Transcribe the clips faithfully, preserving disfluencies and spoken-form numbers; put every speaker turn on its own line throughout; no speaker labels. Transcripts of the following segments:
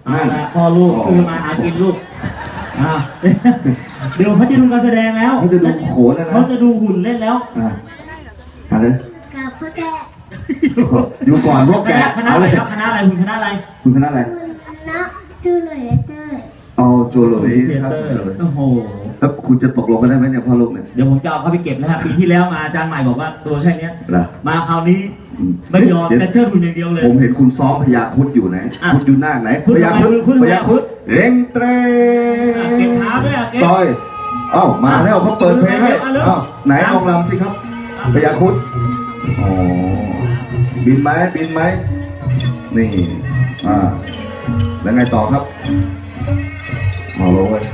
เอาละพ่อลูกคือมาหากินลูกอ่าเดี๋ยวเขาจะดูการแสดงแล้ว
เขาจะดูโขนนะนะ
เขาจะดูหุ่นเล่นแล้ว
อ่าอะไร
กับพ่อแก
อยู่ก่อนพวก
ค
แก
ณะคณะ
เอา
อะไร
เลย
ครับคณะอะไรคุณคณะอะไร
คุณคณะอะไร
คุณนะจูเลยเต้ย
เอาโจโหลย
เท
ครับ
เตอร์
โจโหลย
โอ้โห
แล้วคุณจะตกลงกันได้ไหมเนี่ยพ่อลูกเนี่ย
เดี๋ยวผมจะเอาเข้าไปเก็บแล้วครับปีที่แล้วมาอาจารย์ใหม่บอกว่าตัวแค่เนี้ย
เหรอ
มาคราวนี้ไม่ยอม
เดี๋ยว
จะเชิดหุ่นอย่างเดียวเลย
ผมเห็นคุณซ้อมพญาครุดอยู่ไหน
อ่ะ
คุณอยู่หน้าไหน
คุณ
พญาครุด
ทำไมคุณ
พญาครุดเร่งเตร
อ่ะเก็บเท้าด้วยอ่ะเก็บ
ซอยเอ้ามาแล้วเขาเปิดเพลงให้
เอาเร็ว
เอ้าไหนลองรำสิครับพญาครุดอ๋อบินไหมบินไหมนี่อ่าแล้วไงต่อครับเอาลงเลย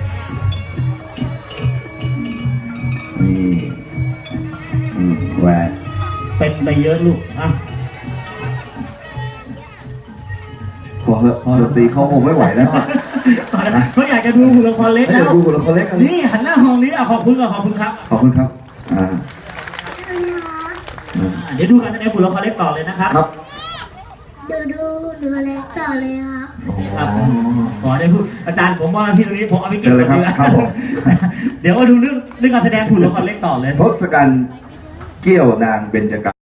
นี่อืมแหวน
เป็นไปเยอะลูกอ่ะ
พอเหอะดนตรีเขาคงไม่ไหวแล้วอะ
เขาอยากจะดูหุ่นละครเล็ก
ให้
แล้
เดี๋ยว
ว
ดูคนละคนเล็กกัน
นี่หันหน้าห้องนี้อ่ะขอบคุณก่อนขอบคุณครับ
ขอบคุณครับ อ่า
อ่าเดี๋ยวดูการแสดงหุ่นละครเล็กต่อเลยนะครับ
ครับ
ดูดูหนูเล็กต่อเลยครับ
ครับขอได้พูดอาจารย์ผมว่าที่ตรงนี้ผมเอาไปเก็บ
เชิญเลยครับ
ก่อนดีกว่า
ครับผม
เดี๋ยวมาดูเรื่องเรื่องการแสดงหุ่นละครเล็กต่อเลย
ทศกัณฐ์เกี้ยวนางเบญจกา